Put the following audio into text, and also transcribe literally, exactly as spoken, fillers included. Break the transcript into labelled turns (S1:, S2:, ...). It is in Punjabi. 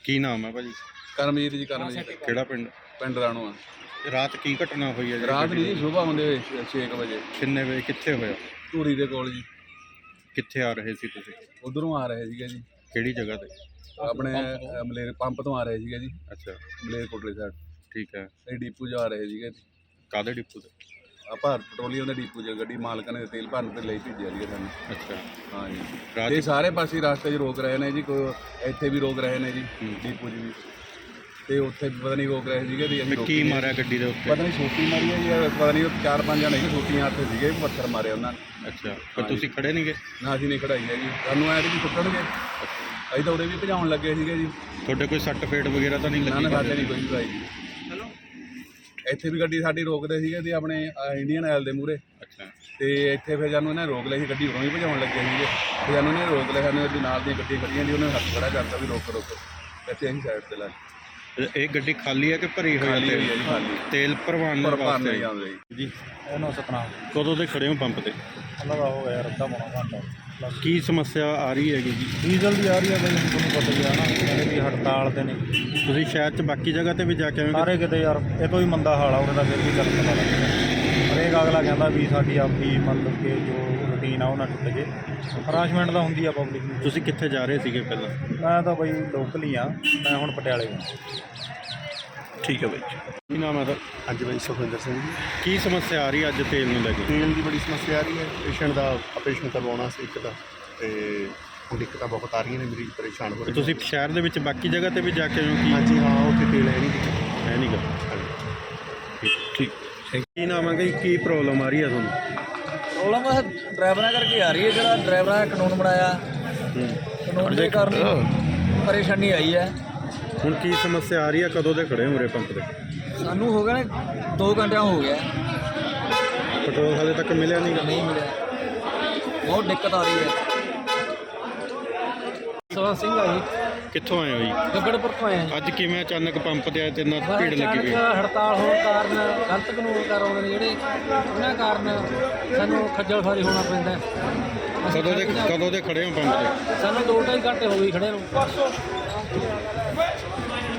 S1: ਕੀ ਨਾਮ ਹੈ ਭਾਜੀ?
S2: ਕਰਮਜੀਤ ਜੀ, ਕਰਮਜੀਤ।
S1: ਕਿਹੜਾ ਪਿੰਡ?
S2: ਪਿੰਡ ਰਾਣੋ ਆ।
S1: ਤੇ ਰਾਤ ਕੀ ਘਟਨਾ ਹੋਈ ਹੈ ਜੀ?
S2: ਰਾਤ ਨਹੀਂ ਜੀ, ਸੁਬਾਹ ਹੁੰਦੇ ਹੋਏ ਛੇ ਕੁ ਵਜੇ।
S1: ਕਿੰਨੇ ਵਜੇ? ਕਿੱਥੇ ਹੋਇਆ?
S2: ਧੂਰੀ ਦੇ ਕੋਲ ਜੀ।
S1: ਕਿੱਥੇ ਆ ਰਹੇ ਸੀ ਤੁਸੀਂ?
S2: ਉਧਰੋਂ ਆ ਰਹੇ ਸੀਗੇ ਜੀ,
S1: ਕਿਹੜੀ ਜਗ੍ਹਾ ਤੇ?
S2: ਆਪਣੇ ਅ, ਮਲੇਰ ਪੰਪ ਤੋਂ ਆ ਰਹੇ ਸੀਗੇ ਜੀ,
S1: ਅੱਛਾ,
S2: ਮਲੇਰ ਕੋਟਲੇ ਸਾਈਡ।
S1: ਠੀਕ ਹੈ।
S2: ਇਹ ਡੀਪੂ ਜਾ ਰਹੇ ਸੀਗੇ।
S1: ਕਾਹਦੇ ਡਿਪੂ ਤੇ?
S2: ਆ ਭਾਰਤ ਪੈਟਰੋਲੀਅਮ ਦੇ ਡੀਪੂ 'ਚ ਗੱਡੀ ਮਾਲਕਾਂ ਨੇ ਤੇਲ ਭਰਨ ਤੇ ਲਈ ਭੇਜਿਆ ਸੀਗਾ ਸਾਨੂੰ।
S1: ਅੱਛਾ,
S2: ਹਾਂ ਜੀ।
S1: ਰਾਤ
S2: ਇਹ ਸਾਰੇ ਪਾਸੇ ਰਸਤੇ 'ਚ ਰੋਕ ਰਹੇ ਨੇ ਜੀ, ਕੋਈ ਇੱਥੇ ਵੀ ਰੋਕ ਰਹੇ ਨੇ ਜੀ, ਡੀਪੂ 'ਚ ਵੀ, ਤੇ ਉੱਥੇ ਵੀ ਪਤਾ ਨਹੀਂ ਰੋਕ ਰਹੇ ਸੀਗੇ ਵੀ ਅਸੀਂ
S1: ਕੀ
S2: ਰੋਕੀਏ।
S1: ਮਾਰਿਆ ਗੱਡੀ ਦੇ ਉੱਤੇ?
S2: ਪਤਾ ਨਹੀਂ ਛੋਟੀ ਮਾਰੀ ਹੈ ਜੀ, ਪਤਾ ਨਹੀਂ ਚਾਰ ਪੰਜ ਜਣੇ ਸੀ ਛੋਟੀਆਂ ਹੱਥ ਸੀਗੇ, ਪੱਥਰ ਮਾਰੇ ਉਹਨਾਂ ਨੇ।
S1: ਅੱਛਾ, ਪਰ ਤੁਸੀਂ ਖੜੇ ਨਹੀਂ ਗਏ?
S2: ਨਾ ਅਸੀਂ ਨਹੀਂ ਖੜਾਈ ਹੈ ਜੀ, ਸਾਨੂੰ ਐਂ ਵੀ ਸੁੱਟਣਗੇ। ਅਸੀਂ ਤਾਂ ਉਰੇ ਵੀ ਭਜਾਉਣ ਲੱਗੇ ਸੀਗੇ ਜੀ।
S1: ਤੁਹਾਡੇ ਕੋਈ ਸੱਟ ਫੇਟ ਵਗੈਰਾ ਤਾਂ ਨਹੀਂ
S2: ਨਾ
S1: ਲੱਗੀ?
S2: ਨਾ, ਸਾਡੇ ਨਹੀਂ ਕੋਈ ਵੀ ਭਾਈ ਜੀ। ਇੱਥੇ ਵੀ ਗੱਡੀ ਸਾਡੀ ਰੋਕਦੇ ਸੀਗੇ ਤੇ ਆਪਣੇ ਇੰਡੀਅਨ ਆਇਲ ਦੇ ਮੂਹਰੇ।
S1: ਅੱਛਾ,
S2: ਤੇ ਇੱਥੇ ਫਿਰ ਸਾਨੂੰ ਇਹਨਾਂ ਰੋਕ ਲਈ ਸੀ, ਗੱਡੀ ਉਰੋਂ ਹੀ ਭਜਾਉਣ ਲੱਗੇ ਸੀਗੇ ਤੇ ਸਾਨੂੰ ਇਹਨੇ ਰੋਕ ਲਿਆ। ਸਾਨੂੰ ਇਹਦੇ ਨਾਲ ਦੀਆਂ ਗੱਡੀਆਂ ਖੜੀਆਂ ਸੀ, ਉਹਨਾਂ ਨੇ ਹੱਥ ਖੜਾ ਕਰਤਾ ਵੀ ਰੋਕੋ ਰੋਕੋ। ਇੱਥੇ ਅਸੀਂ ਸਾਈਡ ਤੇ ਲਾ
S1: ਇਹ ਗੱਡੀ ਖਾਲੀ ਹੈ ਕਿ ਭਰੀ ਹੋਈ
S2: ਖਾਲੀ
S1: ਹੈ?
S2: ਹੋਈ ਹੈ ਜੀ, ਖਾਲੀ।
S1: ਤੇਲ ਭਰਵਾਉਣ
S2: ਪਰ ਭਰਨ
S1: ਵਾਸਤੇ
S2: ਨਹੀਂ ਆਉਂਦੇ ਜੀ।
S1: ਜੀ।
S3: ਇਹਨੂੰ ਸਤਨਾਮ
S1: ਕਦੋਂ ਦੇ ਖੜੇ ਹੋ ਪੰਪ ਤੇ?
S3: ਉਹਨਾਂ ਦਾ ਹੋ ਗਿਆ ਅੱਧਾ ਪੌਣਾ ਘੰਟਾ।
S1: ਕੀ ਸਮੱਸਿਆ ਆ ਰਹੀ ਹੈਗੀ ਜੀ?
S3: ਡੀਜ਼ਲ ਦੀ ਆ ਰਹੀ ਹੈ ਬਈ, ਤੁਹਾਨੂੰ ਪਤਾ ਹੀ ਆ ਨਾ, ਕਹਿੰਦੇ ਵੀ ਹੜਤਾਲ ਤੇ ਨੇ।
S1: ਤੁਸੀਂ ਸ਼ਹਿਰ 'ਚ ਬਾਕੀ ਜਗ੍ਹਾ ਤੇ ਵੀ ਜਾ ਕੇ ਆਏ ਹੋ?
S3: ਸਾਰੇ ਕਿਤੇ ਯਾਰ ਇਹ ਤੋਂ ਹੀ ਮੰਦਾ ਹਾਲ ਆ ਉਹਦਾ, ਤਾਂ ਫਿਰ ਵੀ ਚੱਲ ਪਤਾ ਲੱਗਦਾ। ਹਰੇਕ ਅਗਲਾ ਕਹਿੰਦਾ ਵੀ ਸਾਡੀ ਆਪਣੀ ਮਤਲਬ ਕਿ ਜੋ ਰੂਟੀਨ ਆ ਉਹ ਨਾ ਟੁੱਟ ਜੇ। ਹਰਾਸ਼ਮੈਂਟ ਤਾਂ ਹੁੰਦੀ ਆ ਪਬਲਿਕ ਨੂੰ।
S1: ਤੁਸੀਂ ਕਿੱਥੇ ਜਾ ਰਹੇ ਸੀਗੇ ਪਹਿਲਾਂ?
S3: ਮੈਂ ਤਾਂ ਬਈ ਲੋਕਲ ਹੀ ਆ, ਮੈਂ ਹੁਣ ਪਟਿਆਲੇ ਹਾਂ।
S1: ਠੀਕ ਹੈ ਬਾਈ। ਕੀ ਨਾਮ ਹੈ ਸਰ?
S4: ਹਾਂਜੀ ਬਾਈ, ਸੁਖਵਿੰਦਰ ਸਿੰਘ ਜੀ।
S1: ਕੀ ਸਮੱਸਿਆ ਆ ਰਹੀ ਹੈ ਅੱਜ ਤੇਲ ਨੂੰ ਲੈ ਕੇ?
S4: ਤੇਲ ਦੀ ਬੜੀ ਸਮੱਸਿਆ ਆ ਰਹੀ ਹੈ। ਪੇਸ਼ੈਂਟ ਦਾ ਆਪਰੇਸ਼ਨ ਕਰਵਾਉਣਾ ਸੀ ਇੱਕ ਦਾ, ਤੇ ਹੁਣ ਦਿੱਕਤਾਂ ਬਹੁਤ ਆ ਰਹੀਆਂ ਨੇ, ਮਰੀਜ਼ ਪਰੇਸ਼ਾਨ ਹੋ ਰਹੇ।
S1: ਤੁਸੀਂ ਸ਼ਹਿਰ ਦੇ ਵਿੱਚ ਬਾਕੀ ਜਗ੍ਹਾ ਤੇ ਵੀ ਜਾ ਕੇ ਆਏ ਹੋ? ਕੀ
S4: ਹਾਂਜੀ ਹਾਂ, ਉੱਥੇ ਤੇਲ ਹੈ ਨਹੀਂ ਜੀ।
S1: ਹੈ ਨਹੀਂ ਗਾ? ਠੀਕ ਠੀਕ। ਕੀ ਨਾਮ ਹੈ ਜੀ? ਕੀ ਪ੍ਰੋਬਲਮ ਆ ਰਹੀ ਹੈ ਤੁਹਾਨੂੰ?
S5: ਪ੍ਰੋਬਲਮ ਹੈ ਡਰਾਈਵਰਾਂ ਕਰਕੇ ਆ ਰਹੀ ਹੈ। ਜਿਹੜਾ ਡਰਾਈਵਰਾਂ ਨੇ ਕਾਨੂੰਨ ਬਣਾਇਆ, ਕਾਨੂੰਨ ਦੇ ਕਾਰਨ ਪਰੇਸ਼ਾਨੀ ਆਈ ਹੈ।
S1: ਹੁਣ ਕੀ ਸਮੱਸਿਆ ਆ ਰਹੀ ਹੈ? ਕਦੋਂ ਦੇ ਖੜੇ ਹੋ ਉਰੇ ਪੰਪ ਤੇ?
S5: ਸਾਨੂੰ ਹੋ ਗਿਆ ਨੇ ਦੋ ਘੰਟਿਆਂ ਹੋ ਗਿਆ,
S1: ਪੈਟਰੋਲ ਹਾਲੇ ਤੱਕ ਮਿਲਿਆ ਨਹੀਂ ਗਾ?
S5: ਨਹੀਂ ਮਿਲਿਆ, ਬਹੁਤ ਦਿੱਕਤ ਆ ਰਹੀ ਹੈ। ਸਵਾ ਸਿੰਘ ਆ ਜੀ,
S1: ਕਿੱਥੋਂ ਆਏ ਹੋ ਜੀ?
S5: ਗੱਗੜਪੁਰ ਤੋਂ ਆਏ ਹਾਂ।
S1: ਅੱਜ ਕਿਵੇਂ ਅਚਾਨਕ ਪੰਪ ਤੇ ਆਏ ਤੇ ਇੰਨਾ ਭੀੜ ਲੱਗੀ ਹੋਈ?
S5: ਅਚਾਨਕ ਹੜਤਾਲ ਹੋਣ ਕਾਰਨ, ਗਲਤ ਕਾਨੂੰਨ ਕਾਰੋਬਾਰ ਨੇ ਜਿਹੜੇ, ਉਹਨਾਂ ਕਾਰਨ ਸਾਨੂੰ ਖੱਜਲ ਖੁਆਰੀ ਹੋਣਾ ਪੈਂਦਾ ਹੈ।
S1: ਕਦੋਂ ਦੇ ਕਦੋਂ ਦੇ ਖੜੇ ਹੋ ਪੰਪ ਤੇ?
S5: ਸਾਨੂੰ ਦੋ ਢਾਈ ਘੰਟੇ ਹੋ ਗਏ ਖੜੇ ਨੂੰ।